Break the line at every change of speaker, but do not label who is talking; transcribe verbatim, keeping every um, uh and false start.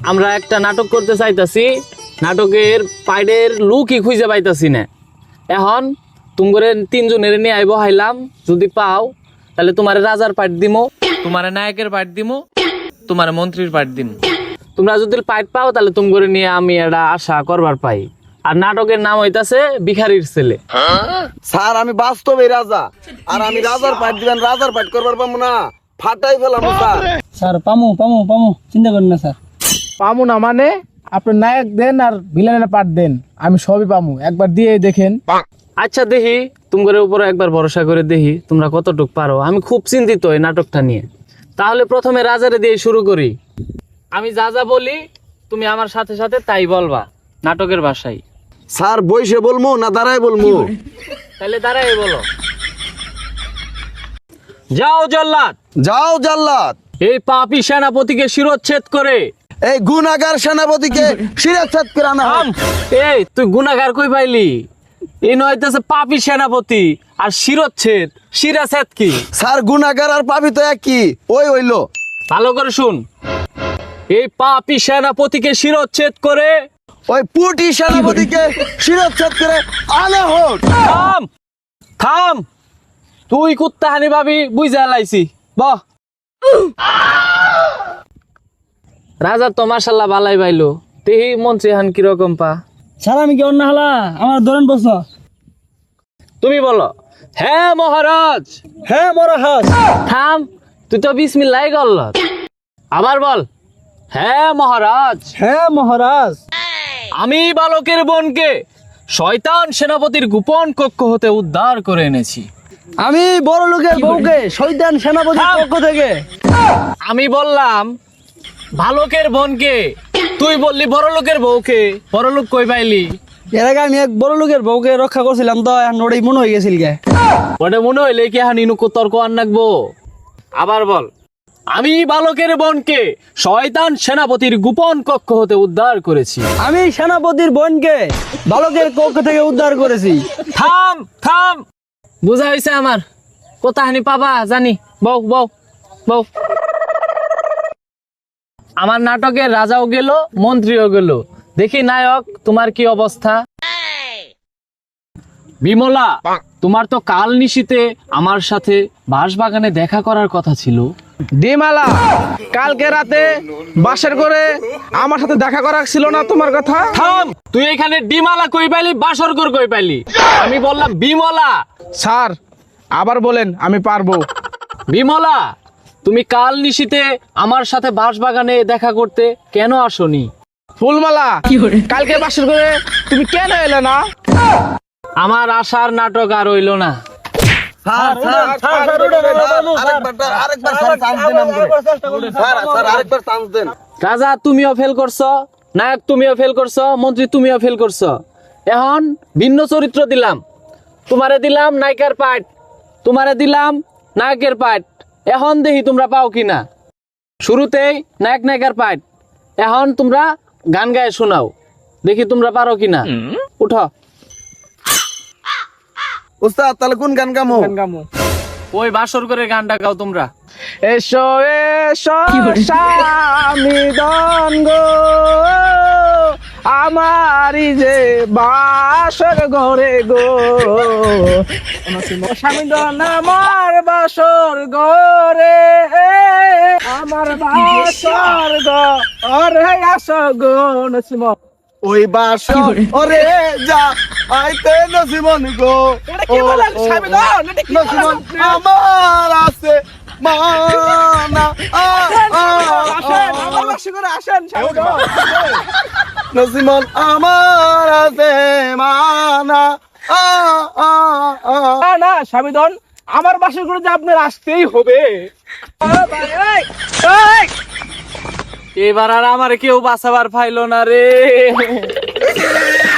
আমরা একটা নাটক করতে চাইতাছি, নাটকের পাইডের লুকই খুঁজে পাইতাছি না। এখন তোমারে তিনজনের নিয়ে আইব হাইলাম, যদি পাও তাহলে তোমার রাজার পাইট দিমো, তোমার নায়কের পাইট দিমো, তোমার মন্ত্রীর পাইট দিমো। তোমরা যদি পাইট পাও তাহলে তোমারে নিয়ে আমি এটা আশা করবার পাই। আর নাটকের নাম হইতাছে ভিখারির ছেলে।
স্যার আমি বাস্তবে রাজা, আর আমি রাজার পাইট দিবেন, রাজার পাইট করবার পাবো না, ফাটাই ফেলাম স্যার।
স্যার পামু পামু পামু চিন্তা করেন না স্যার।
পামু না মানে আপনি নায়ক দেন আর ভিলেনের পাঠ দেন, আমি সবই পামু, একবার দিয়ে দেখেন।
আচ্ছা দেখি তোমাদের উপরে একবার ভরসা করে দেখি তোমরা কতটুক পারো। আমি খুব চিন্তিত এই নাটকটা নিয়ে। তাহলে প্রথমে রাজারে দিয়ে শুরু করি। আমি যা যা বলি তুমি আমার সাথে সাথে তাই বলবা নাটকের ভাষায়।
স্যার বইসে বলবো না দাঁড়ায় বলবো?
তাহলে দাঁড়াই বলো। যাও জল্লাদ,
যাও জাল্লাদ,
এই পাপী সেনাপতিকে শিরোচ্ছেদ করে
এই গুনাগার সেনাপতিকে শিরচ্ছেদ করে আনা হোক।
থাম। এই তুই গুনাহগার কই পাইলি? এই নয়তাছে পাপী সেনাপতি আর শিরোচ্ছেদ। শিরাচ্ছেদ কি?
স্যার গুনাগার আর পাপি তো একই, ওই হইলো।
ভালো করে শুন, এই পাপী সেনাপতিকে শিরোচ্ছেদ করে
ওই পুটি সেনাপতিকে শিরচ্ছেদ করে আনা হোক।
থাম থাম, তুই কুত্তা হানি ভাবি বুঝা লাইছি। বহ। রাজা তো মাশাল্লাহ বালাই বাইলো, তেহি মন্ত্রী হান কিরকম পা?
স্যার আমি কি অন্য হালা আমার ধরেন বস।
তুমি বলো। হ্যাঁ মহারাজ।
হ্যাঁ মহারাজ।
থাম, তুই তো বিসমিল্লাহ গল্ল। আবার বল। হ্যাঁ মহারাজ।
হ্যাঁ মহারাজ।
আমি বালকের বোনকে শয়তান সেনাপতির গোপন কক্ষ হতে উদ্ধার করে এনেছি।
আমি বড় লোকের বউকে শয়তান সেনাপতির
থাম।
পক্ষ থেকে।
আমি বললাম বালকের বোনকে, তুই বললি বড় লোকের বউকে। বড় লোক কই পাইলি?
এর আগে আমি এক বড় লোকের বউকে রক্ষা করছিলাম তো এখন ওটাই মনে হয়ে গেছিল গে।
ওটা মনে হইলে কি হানি নুকু তর্ক আর নাকবো? আবার বল। আমি বালকের বোনকে শয়তান সেনাপতির গোপন কক্ষ হতে উদ্ধার করেছি।
আমি সেনাপতির বোনকে বালকের কক্ষ থেকে উদ্ধার করেছি।
থাম থাম, বুঝা হয়েছে আমার। কোথা হানি পাবা জানি। বউ বউ বউ। আমার নাটকের রাজাও গেল, মন্ত্রীও গেল। দেখি নায়ক তোমার কি অবস্থা। বিমলা, তোমার তো কাল নিশীতে আমার সাথে বাঁশবাগানে দেখা করার কথা ছিল।
ডিমালা, কালকে রাতে বাসের করে আমার সাথে দেখা করা ছিল না তোমার কথা?
থাম, তুই এখানে ডিমালা কই পাইলি, বাসরগর কই পাইলি? আমি বললাম বিমলা।
স্যার আবার বলেন, আমি পারবো।
বিমলা, তুমি কাল নিশীতে আমার সাথে বাঁশবাগানে দেখা করতে কেন আসনি?
ফুলমালা, কালকে বাসের করে তুমি কেন এলে না?
আমার আশার নাটক আর হইল না।
স্যার স্যার স্যার আরেকবার আরেকবার স্যার চান্স দেন আমাকে। স্যার স্যার আরেকবার চান্স দেন।
রাজা তুমিও ফেল করছো, নায়ক তুমিও ফেল করছো, মন্ত্রী তুমিও ফেল করছো। এখন ভিন্ন চরিত্র দিলাম। তোমারে দিলাম নায়িকার পাঠ, তোমারে দিলাম নায়কের পাঠ। এখন দেখি তোমরা পাও কিনা। শুরুতেই নায়ক নায়িকার পাঠ, এখন তোমরা গান গায়ে শোনাও, দেখি তোমরা পারো কিনা। উঠো।
উস্তাদ তাহলে কোন গান গামো?
ওই বাসর করে গানটা গাও তোমরা।
এসো এসো স্বামী দন গো, আমারই যে বাসর ঘরে গো, স্বামী দন আমার বাসর ঘরে, আমার বাসর ঘরে আসো গো নসিম।
ওই বাসর ওরে যা আইতে নসিমন গো, ও নসিমন আমার আছে মানা, নসিমন আমার আছে মানা।
না স্বামীদন, আমার বাসর করে যে আপনার আসতেই হবে।
এবার আর আমার কেউ বাঁচাবার পাইলো না রে।